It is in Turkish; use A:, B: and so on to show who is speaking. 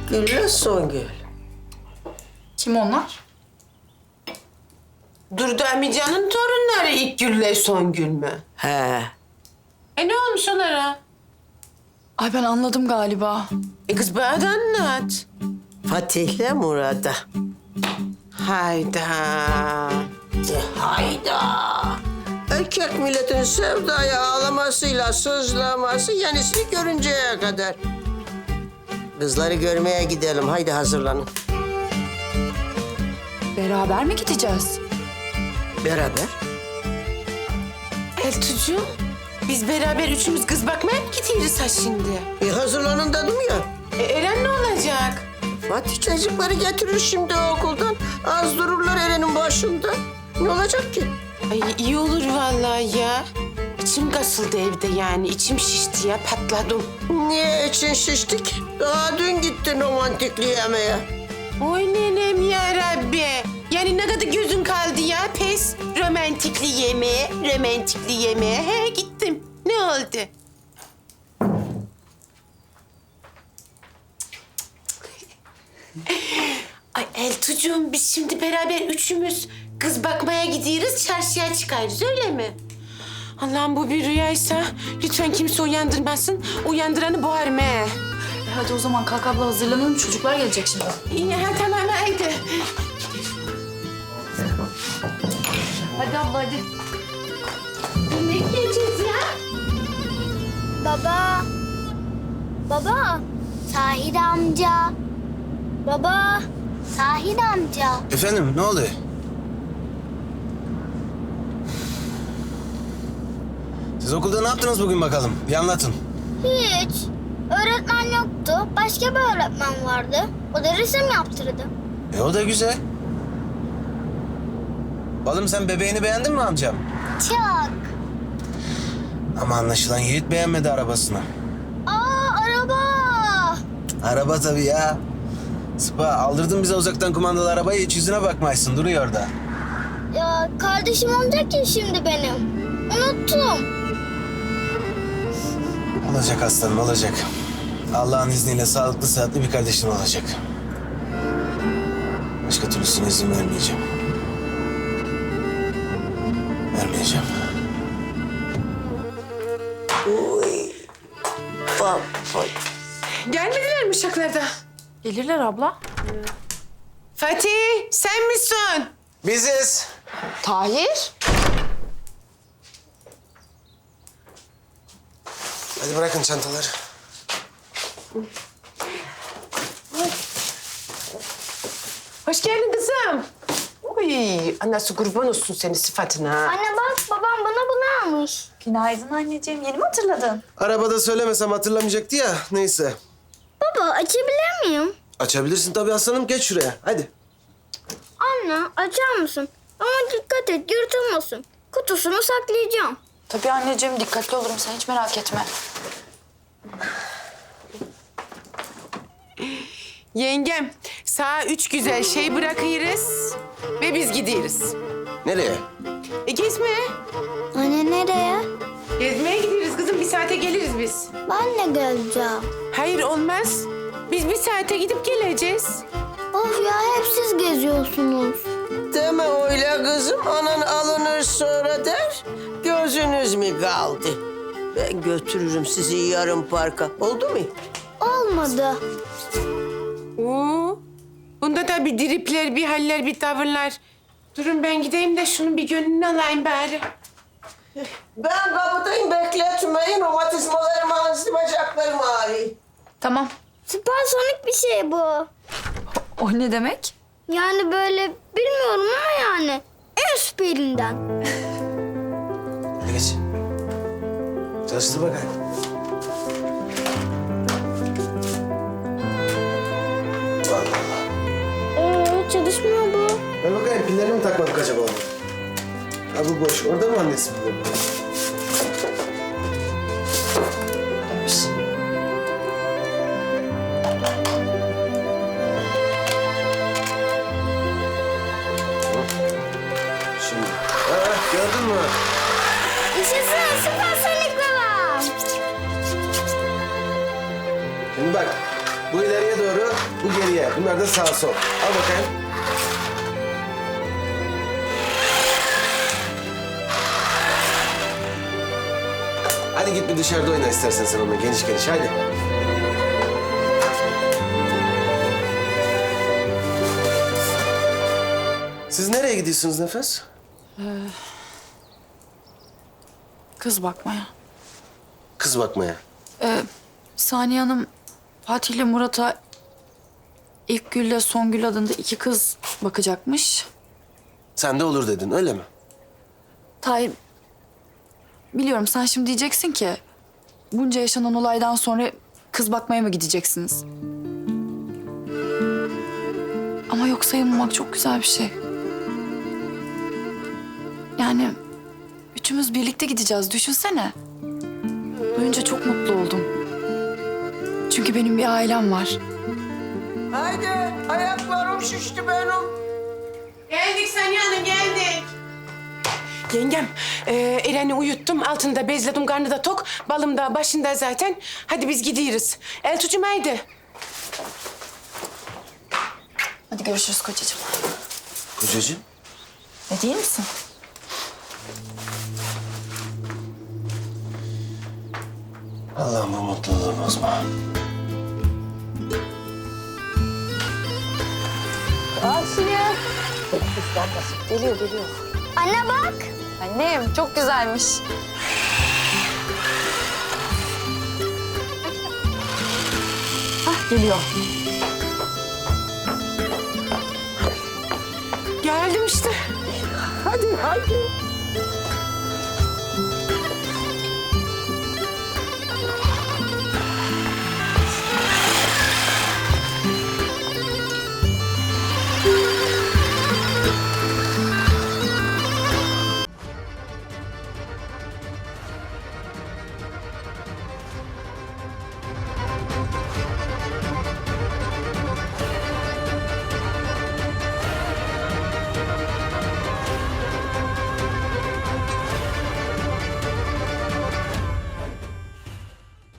A: İlkgül'le Songül.
B: Kim onlar?
C: Durdu amcanın torunları İlkgül'le Songül mü?
A: He.
C: Ne olmuş onlara?
B: Ay ben anladım galiba.
C: Kız bana da anlat.
A: Fatih'le Murat'a.
C: Hayda.
A: Hayda. Erkek milletin sevdaya ağlamasıyla sızlaması yenisini görünceye kadar. Kızları görmeye gidelim. Haydi hazırlanın.
B: Beraber mi gideceğiz?
A: Beraber.
C: Eltucuğum, biz beraber üçümüz kız bakmaya mı gidiyoruz ha şimdi?
A: Hazırlanın dedim ya.
C: Eren ne olacak?
A: Fatih çocukları getirir şimdi okuldan. Az dururlar Eren'in başında. Ne olacak ki?
C: Ay iyi olur vallahi ya. İçim kasıldı evde yani. İçim şişti ya, patladım.
A: Niye için şiştik? Daha dün gittin romantikliği yemeye.
C: Oy nenem ya Rabbi. Yani ne kadar gözün kaldı ya pes. Romantikli yemeğe. He gittim. Ne oldu? Ay Eltucuğum biz şimdi beraber üçümüz kız bakmaya gidiyoruz, çarşıya çıkarız öyle mi? Allah'ım bu bir rüyaysa lütfen kimse uyandırmasın. Uyandıranı boğarım he.
B: Hadi o zaman kalk abla hazırlanalım. Çocuklar gelecek şimdi.
C: İyi ha tamam haydi.
B: Hadi abla hadi.
C: Ne giyeceğiz ya?
D: Baba. Baba. Tahir amca. Baba. Tahir amca.
E: Efendim ne oldu? Siz okulda ne yaptınız bugün bakalım? Bir anlatın.
D: Hiç. Öğretmen yoktu. Başka bir öğretmen vardı. O da resim yaptırdı.
E: O da güzel. Oğlum sen bebeğini beğendin mi amcam?
D: Çok.
E: Ama anlaşılan Yiğit beğenmedi arabasını.
D: Araba.
E: Araba tabii ya. Sıpa aldırdın bize uzaktan kumandalı arabayı, hiç yüzüne bakmaysın, duruyor orada.
D: Ya kardeşim olacak ya şimdi benim. Unuttum.
E: Olacak aslanım, olacak. Allah'ın izniyle sağlıklı sıhhatli bir kardeşin olacak. Başka türlüsüne izin vermeyeceğim. Vermeyeceğim.
A: Baba.
C: Gelmediler mi uşaklarda?
B: Gelirler abla.
C: Fatih sen misin?
E: Biziz.
B: Tahir.
E: Hadi bırakın çantaları.
C: Hoş geldin kızım. Uy, anası kurban olsun senin sıfatına.
D: Anne bak babam bana bunu almış.
B: Günaydın anneciğim. Yeni mi hatırladın?
E: Arabada söylemesem hatırlamayacaktı ya, neyse.
D: Baba açabilir miyim?
E: Açabilirsin tabii aslanım, geç şuraya, hadi.
D: Anne açar mısın? Ama dikkat et yırtılmasın. Kutusunu saklayacağım.
B: Tabii anneciğim dikkatli olurum. Sen hiç merak etme.
C: Yengem, sağa 3 güzel şey bırakırız ve biz gidiyoruz.
E: Nereye?
C: Gezmeye.
D: Anne nereye?
C: Gezmeye gidiyoruz kızım. Bir saate geliriz biz.
D: Ben de geleceğim.
C: Hayır olmaz. Biz bir saate gidip geleceğiz.
D: Of ya hep siz geziyorsunuz.
A: Deme öyle kızım. Anan alınır sonra der. Gözünüz mü kaldı? Ben götürürüm sizi yarın parka. Oldu mu?
D: Olmadı.
C: Oo. Bunda da bir dripler, bir haller, bir tavırlar. Durun ben gideyim de şunun bir gönlünü alayım bari.
A: Ben kapıdayım, bekletmeyin. Romatizmalarım ağrısı, bacaklarım ağrıyor.
B: Tamam.
D: Süpersonik bir şey bu.
B: O ne demek?
D: Yani böyle bilmiyorum ama yani en süperinden.
E: Hadi geç. Çalıştır bakalım.
D: Çalışmıyor bu.
E: Ben bakayım, pillerini mi takmadık acaba onu? Ha bu boş. Orada mı annesi pilleri? Şimdi. Ha, gördün mü?
D: Yaşasın süpersonik babam.
E: Şimdi bak. Bu ileriye doğru, bu geriye. Bunlar da sağ sol. Al bakayım. Hadi git bir dışarıda oyna istersen sen onunla geniş geniş. Hadi. Siz nereye gidiyorsunuz Nefes?
B: Kız bakmaya.
E: Kız bakmaya.
B: Saniye Hanım Fatih ile Murat'a ilk Gül'le Songül adında 2 kız bakacakmış.
E: Sen de olur dedin, öyle mi?
B: Tahir, biliyorum sen şimdi diyeceksin ki bunca yaşanan olaydan sonra kız bakmaya mı gideceksiniz? Ama yok sayılmamak çok güzel bir şey. Yani üçümüz birlikte gideceğiz, düşünsene. Duyunca çok mutlu oldum. Çünkü benim bir ailem var.
A: Haydi ayaklarım şişti benim.
C: Geldik Saniye Hanım, geldik. Yengem, Eren'i uyuttum. Altını da bezledim, karnı da tok. Balım da başında zaten. Hadi biz gidiyoruz. Eltucuğum haydi.
B: Hadi görüşürüz kocacığım.
E: Kocacığım.
B: Ne değil misin?
E: Allah'ım bu mutluluğu bozma.
D: Anne bak.
B: Annem çok güzelmiş. Geliyor.
C: Geldim işte.
A: Hadi haydi.